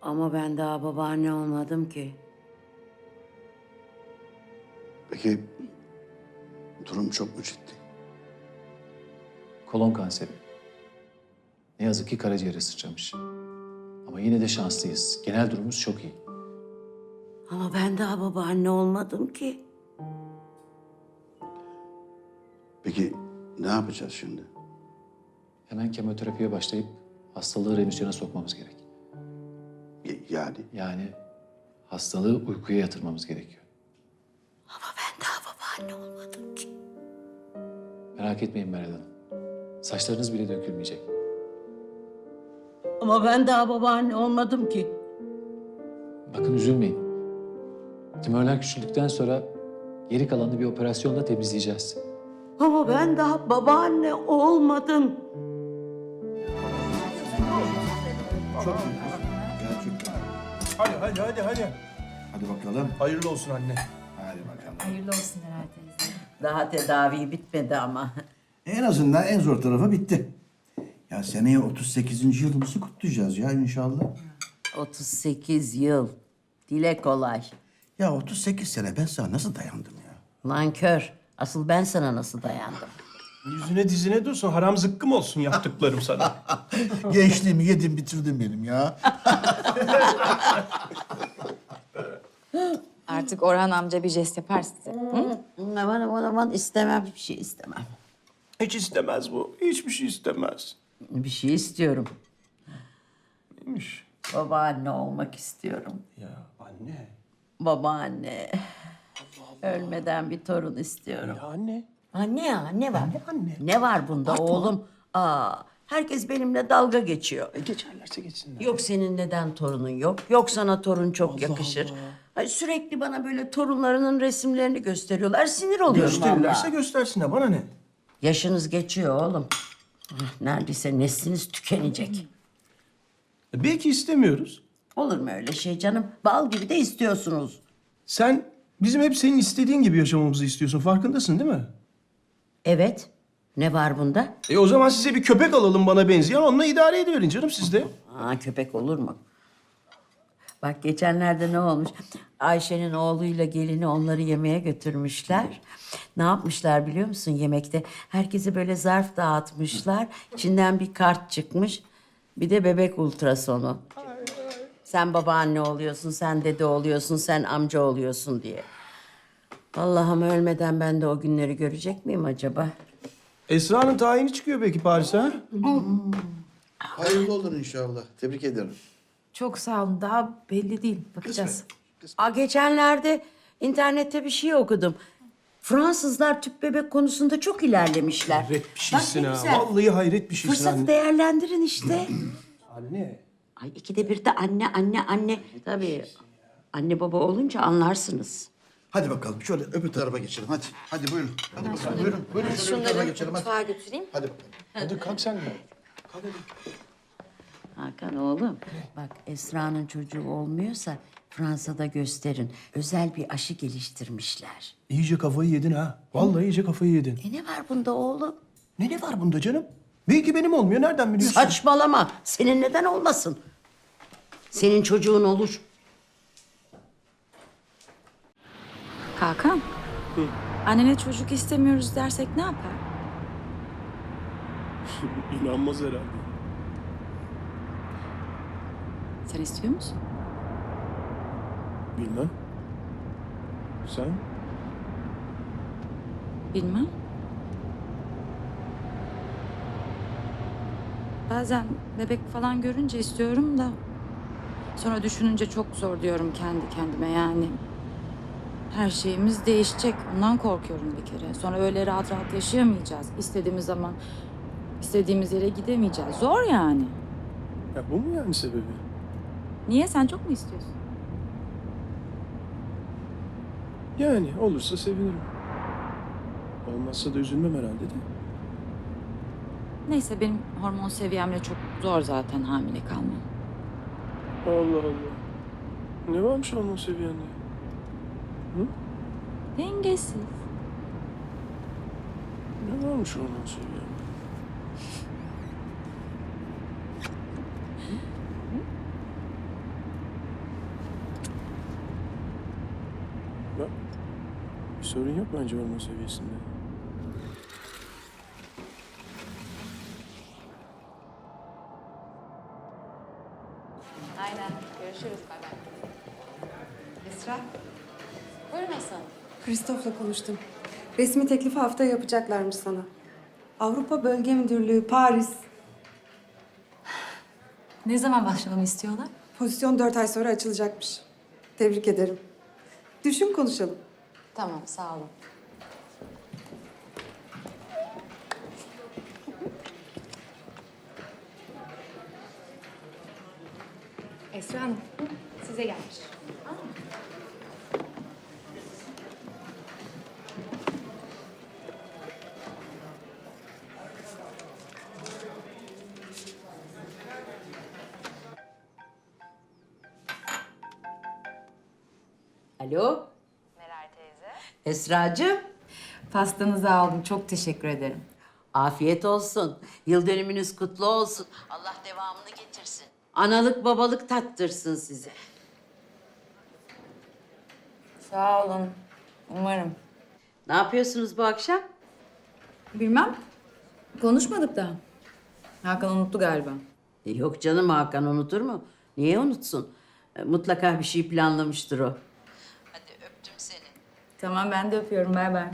Ama ben daha babaanne olmadım ki. Peki durum çok mu ciddi? Kolon kanseri. Ne yazık ki karaciğere sıçramış. Ama yine de şanslıyız. Genel durumumuz çok iyi. Ama ben daha babaanne olmadım ki. Peki ne yapacağız şimdi? Hemen kemoterapiye başlayıp hastalığı remisyona sokmamız gerek. Yani Yani hastalığı uykuya yatırmamız gerekiyor. Ama ben daha babaanne olmadım ki. Merak etmeyin Meral Hanım. Saçlarınız bile dökülmeyecek. Ama ben daha babaanne olmadım ki. Bakın üzülmeyin. Tümörler küçüldükten sonra geri kalanını bir operasyonla temizleyeceğiz. Ama ben daha babaanne olmadım. Gerçekten. Hadi. Hadi bakalım. Hayırlı olsun anne. Hadi bakalım. Hayırlı olsun herhalde teyze. Daha tedavi bitmedi ama. En azından en zor tarafı bitti. Ya seneye 38. yılımızı kutlayacağız ya inşallah. 38 yıl. Dile kolay. Ya 38 sene ben sana nasıl dayandım ya? Nankör. Asıl ben sana nasıl dayandım? Yüzüne dizine dursun. Haram zıkkım olsun yaptıklarım sana. Gençliğimi yedim bitirdin benim ya. Artık Orhan amca bir jest yapar size. Hı? Aman istemem, bir şey istemem. Hiç istemez bu. Hiçbir şey istemez. Bir şey istiyorum. Neymiş? Babaanne olmak istiyorum. Ya anne. Babaanne. Ölmeden bir torun istiyorum. Ya anne. Anne ya, ne var? Anne. Ne var bunda oğlum? Herkes benimle dalga geçiyor. Geçerlerse geçsinler. Yok senin neden torunun yok? Yok sana torun çok yakışır. Ay, sürekli bana böyle torunlarının resimlerini gösteriyorlar. Sinir oluyorum Gösterirlerse vallahi. göstersinler. Bana ne? Yaşınız geçiyor oğlum. Neredeyse nesliniz tükenecek. Belki istemiyoruz. Olur mu öyle şey canım? Bal gibi de istiyorsunuz. Sen bizim hep senin istediğin gibi yaşamamızı istiyorsun. Farkındasın değil mi? Evet. Ne var bunda? O zaman size bir köpek alalım bana benzeyen. Onunla idare ediverin canım siz de. Köpek olur mu? Bak geçenlerde ne olmuş? Ayşe'nin oğluyla gelini onları yemeğe götürmüşler. Ne yapmışlar biliyor musun yemekte? Herkese böyle zarf dağıtmışlar. İçinden bir kart çıkmış. Bir de bebek ultrasonu. Sen babaanne oluyorsun, sen dede oluyorsun, sen amca oluyorsun diye. Allah'ım ölmeden ben de o günleri görecek miyim acaba? Esra'nın tayini çıkıyor belki Paris'e. Ha? Hayırlı olur inşallah. Tebrik ederim. Çok sağ olun. Daha belli değil. Bakacağız. Geçenlerde internette bir şey okudum. Fransızlar tüp bebek konusunda çok ilerlemişler. Hayret bir şeysin Bak ne ha. güzel. Vallahi hayret bir şeysin Fırsatı anne. değerlendirin işte. Anne. Ay ikide bir de anne. Tabii anne baba olunca anlarsınız. Hadi bakalım şöyle öbür tarafa geçelim hadi. Hadi buyurun. Hadi bakalım buyurun. Şöyle öbür tarafa geçelim hadi. Mutfağa götüreyim. Hadi bakalım. Hadi kalk sen de. Hakan oğlum bak Esra'nın çocuğu olmuyorsa Fransa'da gösterin. Özel bir aşı geliştirmişler. İyice kafayı yedin ha. Vallahi iyice kafayı yedin. Ne var bunda oğlum? Ne var bunda canım? Belki benim olmuyor. Nereden biliyorsun? Saçmalama. Senin neden olmasın? Senin çocuğun olur. Hakan. Annene çocuk istemiyoruz dersek ne yapar? İnanmaz herhalde. Sen istiyor musun? Bilmem. Sen? Bilmem. Bazen bebek falan görünce istiyorum da... Sonra düşününce çok zor diyorum kendi kendime yani. Her şeyimiz değişecek. Ondan korkuyorum bir kere. Sonra öyle rahat rahat yaşayamayacağız. İstediğimiz zaman istediğimiz yere gidemeyeceğiz. Zor yani. Ya bu mu yani sebebi? Niye? Sen çok mu istiyorsun? Yani olursa sevinirim. Olmazsa da üzülmem herhalde de. Neyse benim hormon seviyemle çok zor zaten hamile kalmam. Allah Allah. Ne varmış onun seviyende? Dengesiz. Ne varmış onun seviyende? Bak, bir sorun yok bence hormon seviyesinde. Aynen. Görüşürüz. Bay bay. Esra, Buyurun Hasan. Christoph'la konuştum. Resmi teklifi haftaya yapacaklarmış sana. Avrupa Bölge Müdürlüğü, Paris. Ne zaman başlamamı istiyorlar? Pozisyon 4 ay sonra açılacakmış. Tebrik ederim. Düşün konuşalım. Tamam, sağ olun. Esra Hanım, size gelmiş. Alo? Meral teyze. Esracığım. Pastanızı aldım. Çok teşekkür ederim. Afiyet olsun. Yıl dönümünüz kutlu olsun. Allah devamını getirsin. Analık babalık tattırsın size. Sağ olun. Umarım. Ne yapıyorsunuz bu akşam? Bilmem. Konuşmadık da. Hakan unuttu galiba. Yok canım, Hakan unutur mu? Niye unutsun? Mutlaka bir şey planlamıştır o. Hadi öptüm seni. Tamam, ben de öpüyorum. Bay bay.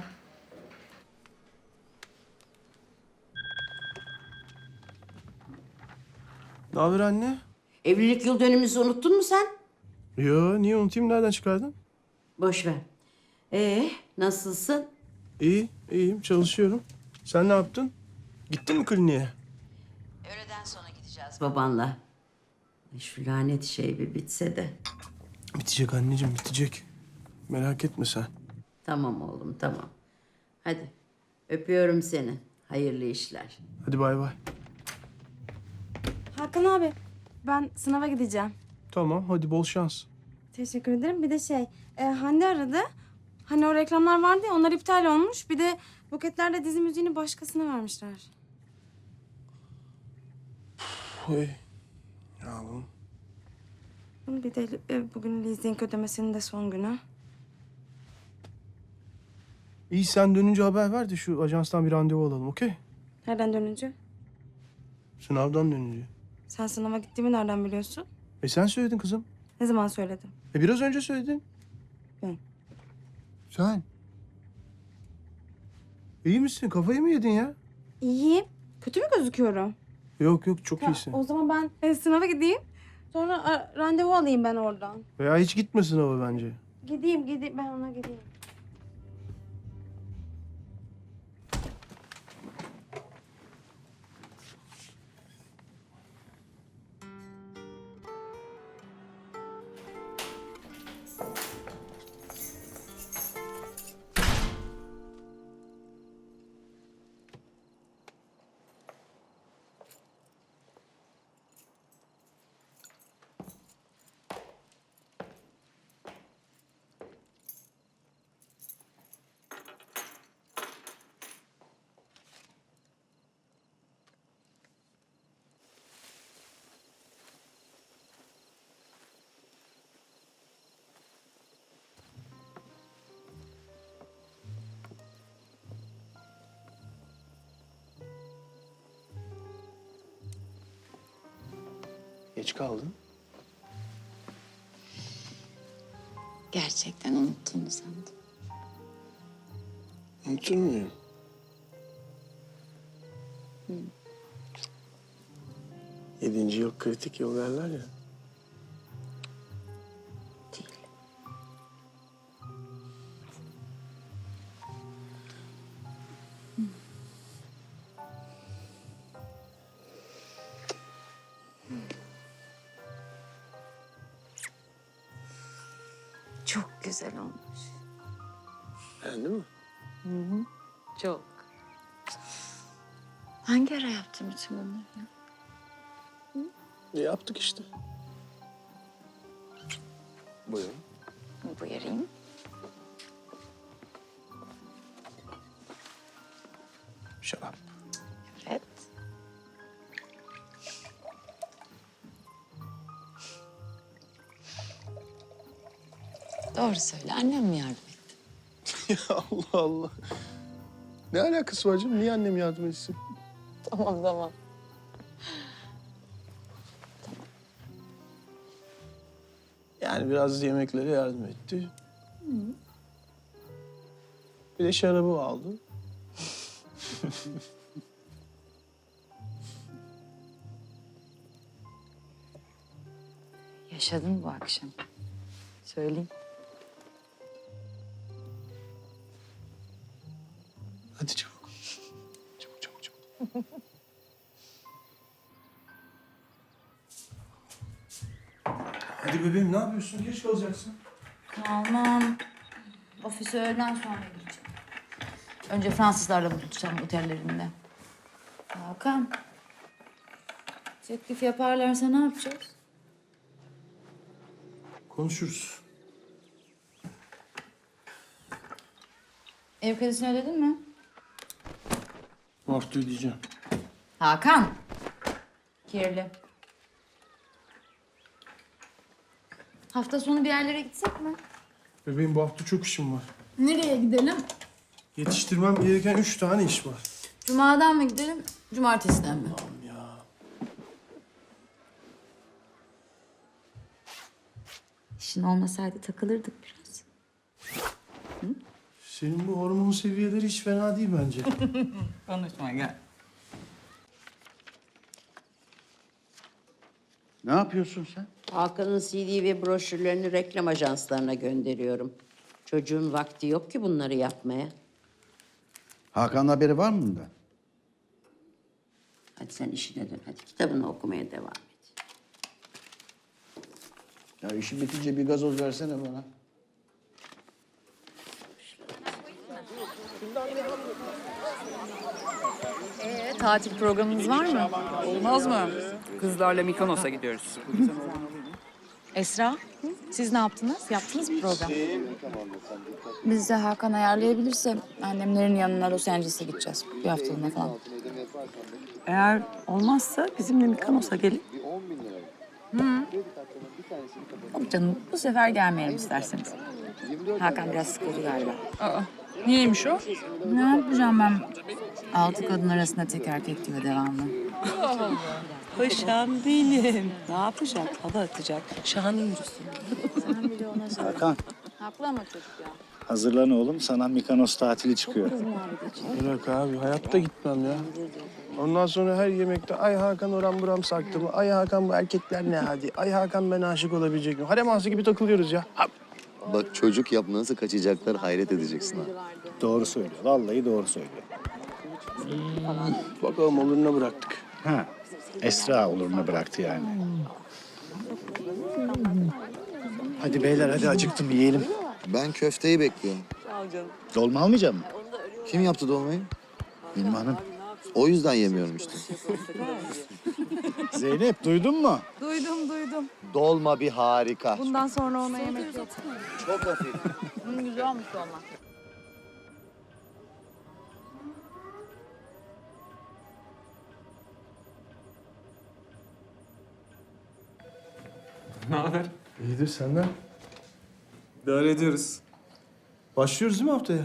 Ne haber anne? Evlilik yıl dönümümüzü unuttun mu sen? Yo, niye unutayım? Nereden çıkardın? Boş ver. Nasılsın? İyi, iyiyim. Çalışıyorum. Sen ne yaptın? Gittin mi kliniğe? Öğleden sonra gideceğiz babanla. Şu lanet şey bir bitse de. Bitecek anneciğim, bitecek. Merak etme sen. Tamam oğlum, tamam. Hadi öpüyorum seni. Hayırlı işler. Hadi bay bay. Hakan abi, ben sınava gideceğim. Tamam, hadi bol şans. Teşekkür ederim. Bir de Hande aradı. Hani o reklamlar vardı ya, onlar iptal olmuş. Bir de Buketler'de dizi müziğini başkasına vermişler. Oy. Yavrum. Bir de bugün leasing ödemesinin de son günü. İyi, sen dönünce haber ver de şu ajanstan bir randevu alalım, okey? Nereden dönünce? Sınavdan dönünce. Sen sınava gittiğimi nereden biliyorsun? Sen söyledin kızım. Ne zaman söyledim? Biraz önce söyledin. Ben. Sen. İyi misin? Kafayı mı yedin ya? İyiyim. Kötü mü gözüküyorum? Yok yok, çok Ya, iyisin. o zaman ben sınava gideyim. Sonra randevu alayım ben oradan. Veya hiç gitme sınava bence. Gideyim. Ben ona gideyim. Geç kaldın. Gerçekten unuttuğunu sandım. Unutur muyum? Yedinci yıl kritik yıl derler ya. Değil. Çok güzel olmuş. Beğendin mi? Çok. Hangi ara yaptın bütün bunları ya? Yaptık işte. Buyurun. Buyurayım. Şarap. Evet. Doğru söyle. Annem mi yardım etti? Ya Allah Allah. Ne alakası var canım? Niye annem yardım etsin? Tamam. Yani biraz yemeklere yardım etti. Bir de şarabı aldı. Yaşadın bu akşam. Söyleyeyim. Hadi çabuk. Çabuk. Hadi bebeğim ne yapıyorsun? Geç kalacaksın. Tamam. Ofise öğleden sonra gideceğim. Önce Fransızlarla buluşacağım otellerinde. Hakan. Teklif yaparlarsa ne yapacağız? Konuşuruz. Ev kredisini ödedin mi? Bu hafta ödeyeceğim. Hakan. Kirli. Hafta sonu bir yerlere gitsek mi? Bebeğim bu hafta çok işim var. Nereye gidelim? Yetiştirmem gereken 3 tane iş var. Cuma'dan mı gidelim, cumartesiden mi? Ya. İşin olmasaydı takılırdık biraz. Senin bu hormon seviyeleri hiç fena değil bence. Konuşma gel. Ne yapıyorsun sen? Hakan'ın CD ve broşürlerini reklam ajanslarına gönderiyorum. Çocuğun vakti yok ki bunları yapmaya. Hakan'ın haberi var mı bundan? Hadi sen işine dön. Hadi kitabını okumaya devam et. Ya işi bitince bir gazoz versene bana. Tatil programınız var mı? Olmaz mı? Kızlarla Mikonos'a gidiyoruz. Esra, siz ne yaptınız? Yaptınız mı program? Biz de Hakan ayarlayabilirse annemlerin yanına Los Angeles'e gideceğiz. Bir haftalığına falan. Eğer olmazsa bizimle Mikonos'a gelin. Yok canım, bu sefer gelmeyelim isterseniz. Hakan biraz sıkıldı galiba. Niyeymiş o? Ne yapacağım ben? 6 kadın arasında tek erkek diyor devamlı. Paşam benim. Ne yapacak? Hava atacak. Şanı yürüsün. Hakan, Haklı ama çocuk ya. hazırlan oğlum. Sana Mikonos tatili çıkıyor. Bırak abi, hayatta gitmem ya. Ondan sonra her yemekte ay Hakan oram buram sarktı mı? Ay Hakan bu erkekler ne hadi? Ay Hakan ben aşık olabilecek miyim? Harem ağası gibi takılıyoruz ya. Ha. Bak çocuk yap nasıl kaçacaklar hayret edeceksin ha. Doğru söylüyor. Vallahi doğru söylüyor. Bakalım oluruna bıraktık. Ha, Esra oluruna bıraktı yani. Hadi beyler hadi acıktım yiyelim. Ben köfteyi bekliyorum. Dolma almayacak mısın? Kim yaptı dolmayı? Benim hanım. O yüzden yemiyorum işte. Zeynep duydun mu? Duydum. Dolma bir harika. Bundan sonra ona yemek yok. Çok hafif. Güzel olmuş olmak. Ne haber? İyidir senden. İdare ediyoruz. Başlıyoruz değil mi haftaya?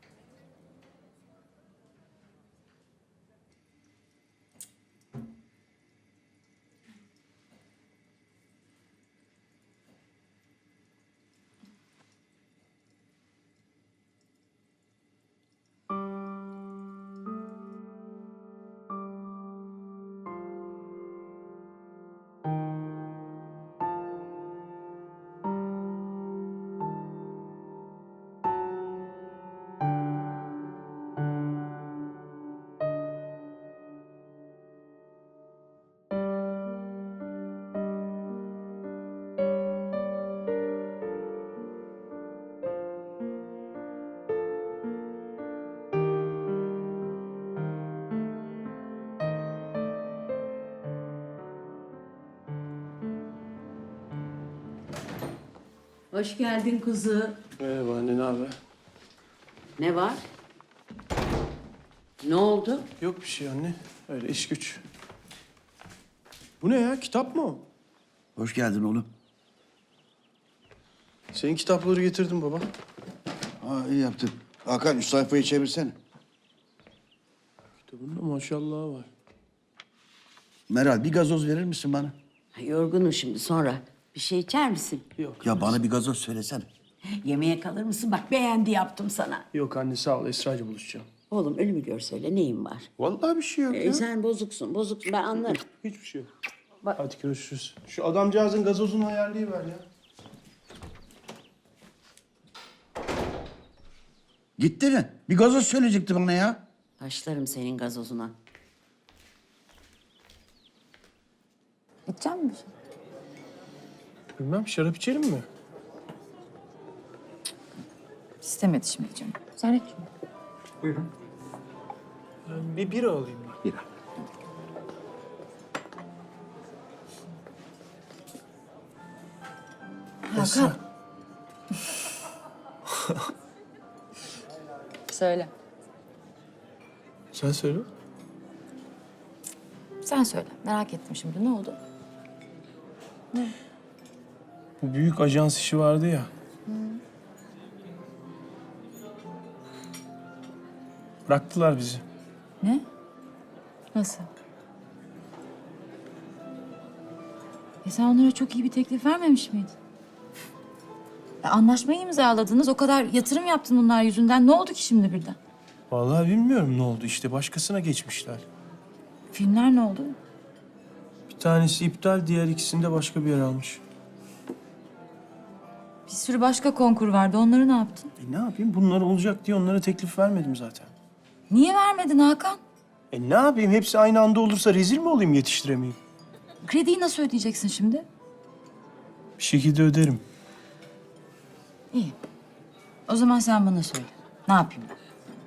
Hoş geldin kuzu. Merhaba anne, ne haber? Ne var? Ne oldu? Yok bir şey anne. Öyle iş güç. Bu ne ya? Kitap mı o? Hoş geldin oğlum. Senin kitapları getirdim baba. Ha, iyi yaptın. Hakan üst sayfayı çevirsene. Kitabında maşallah var. Meral bir gazoz verir misin bana? Yorgunum şimdi sonra. Bir şey içer misin? Yok. Ya bana bir gazoz söylesene. Yemeğe kalır mısın? Bak beğendi yaptım sana. Yok anne sağ ol. Esra'yla buluşacağım. Oğlum ölümü gör söyle neyin var? Vallahi bir şey yok ya. Sen bozuksun ben anlarım. Hiçbir şey yok. Bak- Hadi görüşürüz. Şu adamcağızın gazozunu ayarlayıver ya. Gitti mi? Bir gazoz söyleyecekti bana ya. Başlarım senin gazozuna. İçecek misin? Bilmem şarap içerim mi? İstemedi şimdi canım. Sen iç. Buyurun. Bir bira alayım ben. Bira. Esra. Söyle. Sen söyle. Sen söyle. Merak ettim şimdi. Ne oldu? Bu büyük ajans işi vardı ya. Bıraktılar bizi. Ne? Nasıl? Sen onlara çok iyi bir teklif vermemiş miydin? Anlaşmayı imzaladınız. O kadar yatırım yaptın bunlar yüzünden. Ne oldu ki şimdi birden? Vallahi bilmiyorum ne oldu işte. Başkasına geçmişler. Filmler ne oldu? Bir tanesi iptal, diğer ikisinde başka bir yer almış. Bir sürü başka konkur vardı. Onları ne yaptın? Ne yapayım? Bunlar olacak diye onlara teklif vermedim zaten. Niye vermedin Hakan? Ne yapayım? Hepsi aynı anda olursa rezil mi olayım, yetiştiremeyeyim? Krediyi nasıl ödeyeceksin şimdi? Bir şekilde öderim. İyi. O zaman sen bana söyle. Ne yapayım ben?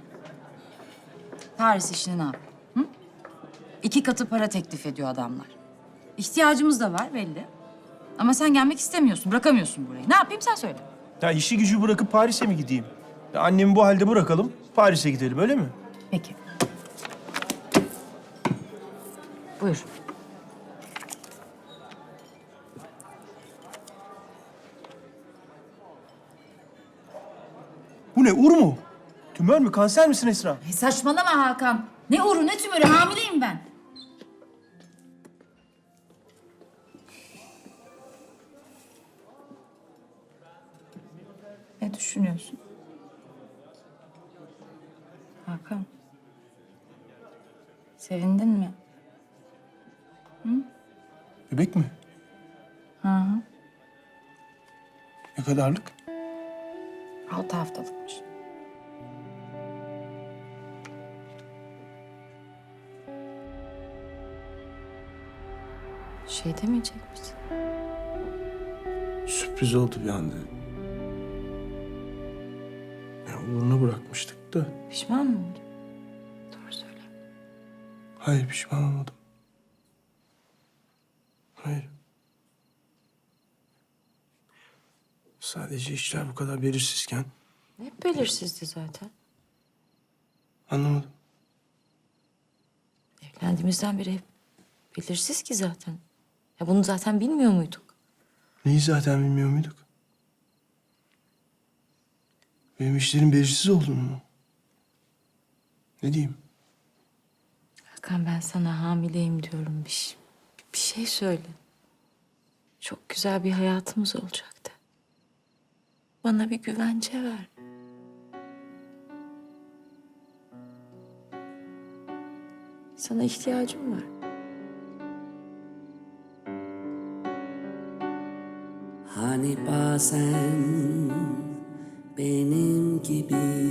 Paris işini ne yapayım? Hı? 2 katı para teklif ediyor adamlar. İhtiyacımız da var belli. Ama sen gelmek istemiyorsun, bırakamıyorsun burayı. Ne yapayım sen söyle. Ya işi gücü bırakıp Paris'e mi gideyim? Ya annemi bu halde bırakalım, Paris'e gidelim öyle mi? Peki. Buyur. Bu ne, ur mu? Tümör mü, kanser misin Esra? Saçmalama Hakan. Ne uğru ne tümörü, hamileyim ben. Ne düşünüyorsun? Hakan. Sevindin mi? Bebek mi? Hı hı. Ne kadarlık? 6 haftalıkmış. Şey demeyecek misin? Sürpriz oldu bir anda. Ya uğruna bırakmıştık da. Pişman mı oldun? Doğru söyle. Hayır, pişman olmadım. Hayır. Sadece işler bu kadar belirsizken Hep belirsizdi zaten. anlamadım. Evlendiğimizden beri hep belirsiz ki zaten. Ya bunu zaten bilmiyor muyduk? Neyi zaten bilmiyor muyduk? Benim işlerin belirsiz olduğunu mu? Ne diyeyim? Hakan ben sana hamileyim diyorum. Bir şey söyle. Çok güzel bir hayatımız olacaktı. Bana bir güvence ver. Sana ihtiyacım var. Hani bazen benim gibi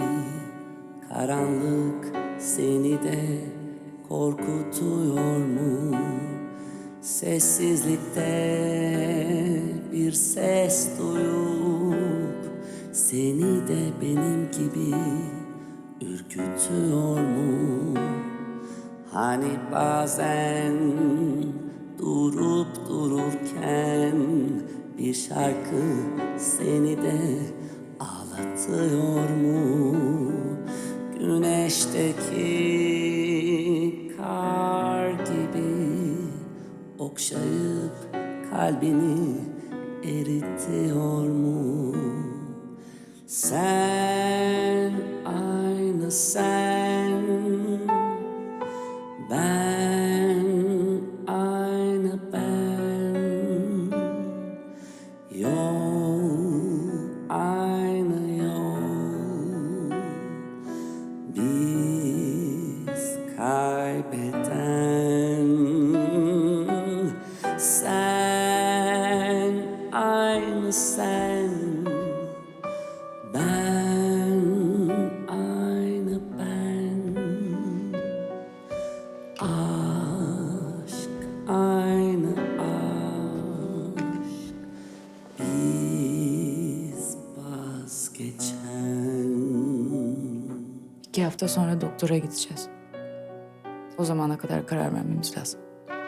karanlık seni de korkutuyor mu? Sessizlikte bir ses duyup seni de benim gibi ürkütüyor mu? Hani bazen durup dururken bir şarkı seni de ağlatıyor mu? Güneşteki kar gibi okşayıp kalbini eritiyor mu? Sen, aynı sen, ben, aynı ben, yol, aynı yol, biz kaybeden. Sen, aynı sen, ben, aynı ben. Aşk, aynı aşk. Biz vazgeçen. 2 hafta sonra doktora gideceğiz. O zamana kadar karar vermemiz lazım.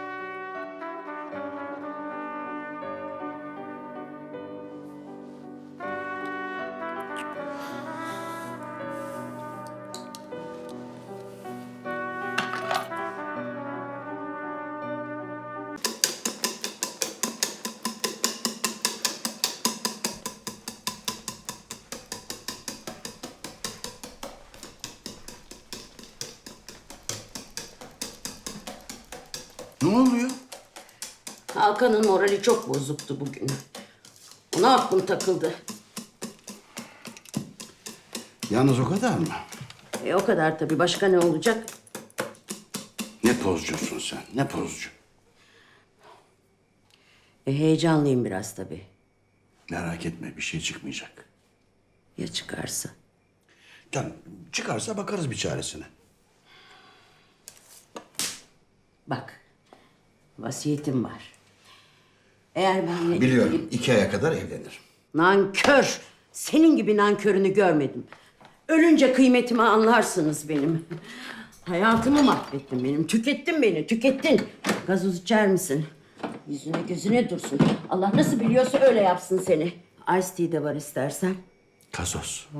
Ne oluyor? Hakan'ın morali çok bozuktu bugün. Ona aklım takıldı. Yalnız o kadar mı? O kadar tabii. Başka ne olacak? Ne pozcusun sen, ne pozcu. Heyecanlıyım biraz tabii. Merak etme, bir şey çıkmayacak. Ya çıkarsa? Canım, çıkarsa bakarız bir çaresine. Bak, vasiyetim var. Eğer benimle... Biliyorum, 2 aya kadar evlenir. Nankör! Senin gibi nankörünü görmedim. Ölünce kıymetimi anlarsınız benim. Hayatımı mahvettin benim. Tükettin beni, tükettin. Gazoz içer misin? Yüzüne gözüne dursun. Allah nasıl biliyorsa öyle yapsın seni. Ice tea de var istersen. Gazoz.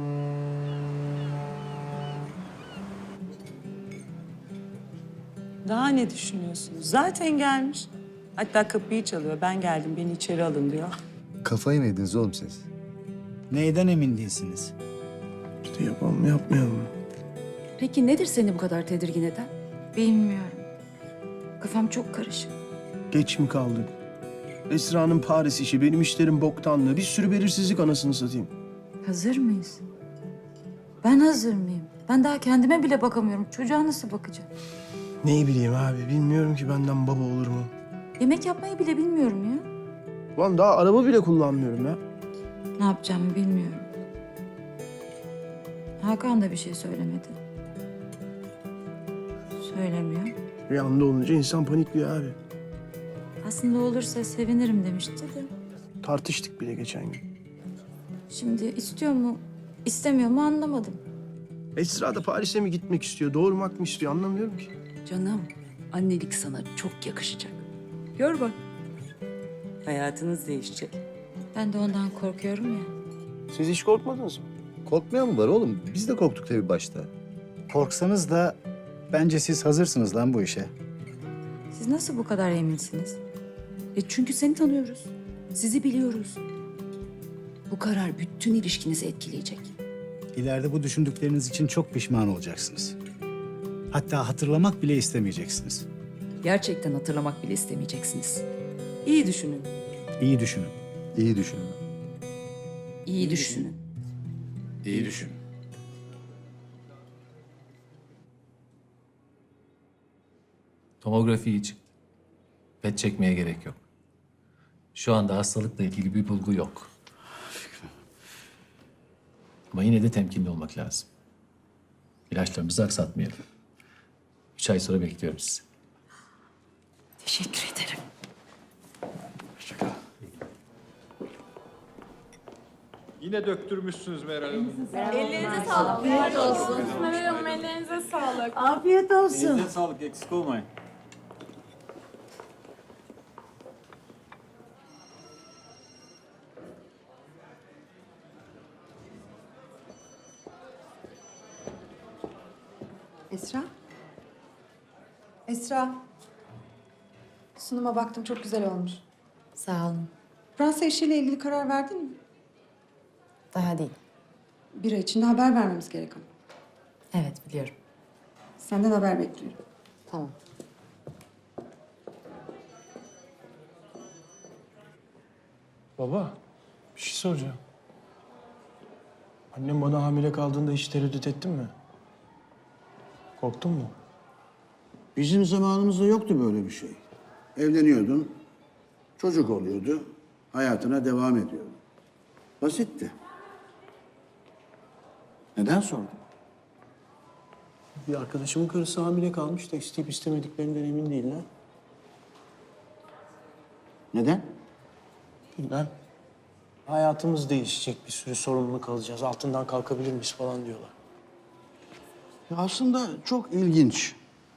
Daha ne düşünüyorsunuz? Zaten gelmiş. Hatta kapıyı çalıyor. Ben geldim, beni içeri alın diyor. Kafayı mı yediniz oğlum siz? Neyden emin değilsiniz? İşte yapalım mı yapmayalım mı? Peki nedir seni bu kadar tedirgin eden? Bilmiyorum. Kafam çok karışık. Geç mi kaldık? Esra'nın Paris işi, benim işlerim boktanlığı. Bir sürü belirsizlik anasını satayım. Hazır mıyız? Ben hazır mıyım? Ben daha kendime bile bakamıyorum. Çocuğa nasıl bakacağım? Neyi bileyim abi, bilmiyorum ki benden baba olur mu? Yemek yapmayı bile bilmiyorum ya. Ulan daha araba bile kullanmıyorum ya. Ne yapacağımı bilmiyorum. Hakan da bir şey söylemedi. Söylemiyor. Bir anda olunca insan panikliyor abi. Aslında olursa sevinirim demişti de. Tartıştık bile geçen gün. Şimdi istiyor mu, istemiyor mu anlamadım. Esra da Paris'e mi gitmek istiyor, doğurmak mı istiyor anlamıyorum ki. Canım, annelik sana çok yakışacak. Gör bak. Hayatınız değişecek. Ben de ondan korkuyorum ya. Siz hiç korkmadınız mı? Korkmayan mı var oğlum? Biz de korktuk tabii başta. Korksanız da bence siz hazırsınız lan bu işe. Siz nasıl bu kadar eminsiniz? Çünkü seni tanıyoruz. Sizi biliyoruz. Bu karar bütün ilişkinizi etkileyecek. İleride bu düşündükleriniz için çok pişman olacaksınız. Hatta hatırlamak bile istemeyeceksiniz. Gerçekten hatırlamak bile istemeyeceksiniz. İyi düşünün. İyi düşünün. İyi düşünün. İyi düşünün. İyi düşün. Tomografi iyi çıktı. PET çekmeye gerek yok. Şu anda hastalıkla ilgili bir bulgu yok. Ama yine de temkinli olmak lazım. İlaçlarımızı aksatmayalım. 3 ay sonra bekliyorum sizi. Teşekkür ederim. Yine döktürmüşsünüz Meral Hanım. Ellerinize sağlık. Afiyet olsun. Meral Hanım ellerinize sağlık. Afiyet olsun. Elinize sağlık, eksik olmayın. Esra? Esra. Sunuma baktım, çok güzel olmuş. Sağ olun. Fransa işiyle ilgili karar verdin mi? Daha değil. Bir ay içinde haber vermemiz gerek ama. Evet biliyorum. Senden haber bekliyorum. Tamam. Baba, bir şey soracağım. Annem bana hamile kaldığında hiç tereddüt ettin mi? Korktun mu? Bizim zamanımızda yoktu böyle bir şey. Evleniyordun, çocuk oluyordu, hayatına devam ediyordun. Basitti. Neden sordun? Bir arkadaşımın karısı hamile kalmış da isteyip istemediklerinden emin değiller. Neden? Bilmem. Hayatımız değişecek, bir sürü sorumluluk alacağız, altından kalkabilir miyiz falan diyorlar. Ya aslında çok ilginç.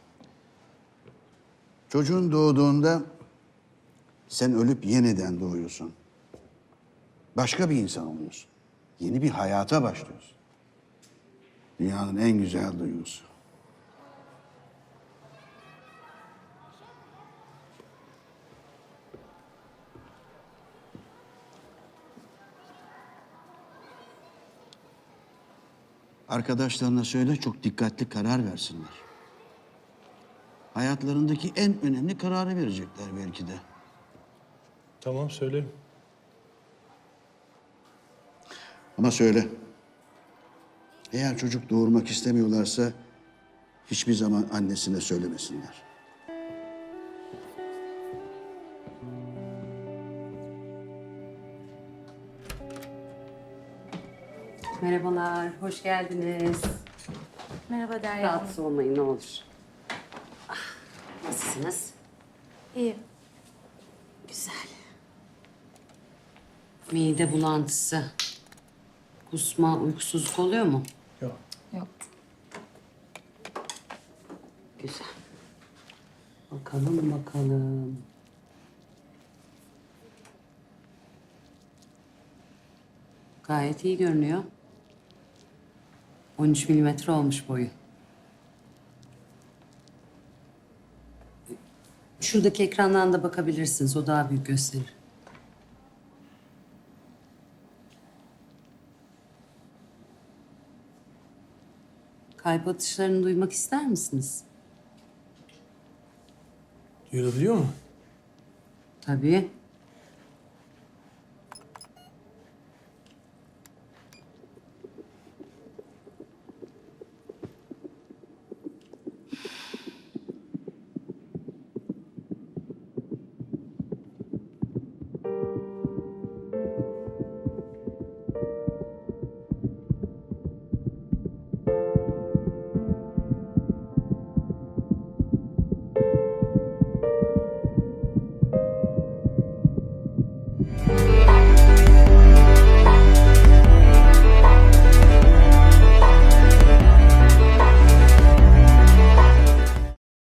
Çocuğun doğduğunda sen ölüp yeniden doğuyorsun. Başka bir insan oluyorsun. Yeni bir hayata başlıyorsun. Dünyanın en güzel duygusu. Arkadaşlarına söyle çok dikkatli karar versinler. Hayatlarındaki en önemli kararı verecekler belki de. Tamam, söylerim. Ama söyle. Eğer çocuk doğurmak istemiyorlarsa hiçbir zaman annesine söylemesinler. Merhabalar, hoş geldiniz. Merhaba Derya. Rahatsız olmayın ne olur. Ah, nasılsınız? İyi. Güzel. Mide bulantısı, kusma, uykusuzluk oluyor mu? Yok. Yok. Güzel. Bakalım bakalım. Gayet iyi görünüyor. 13 milimetre olmuş boyu. Şuradaki ekrandan da bakabilirsiniz. O daha büyük gösterir. Kalp atışlarını duymak ister misiniz? Duyulabiliyor mu? Tabii.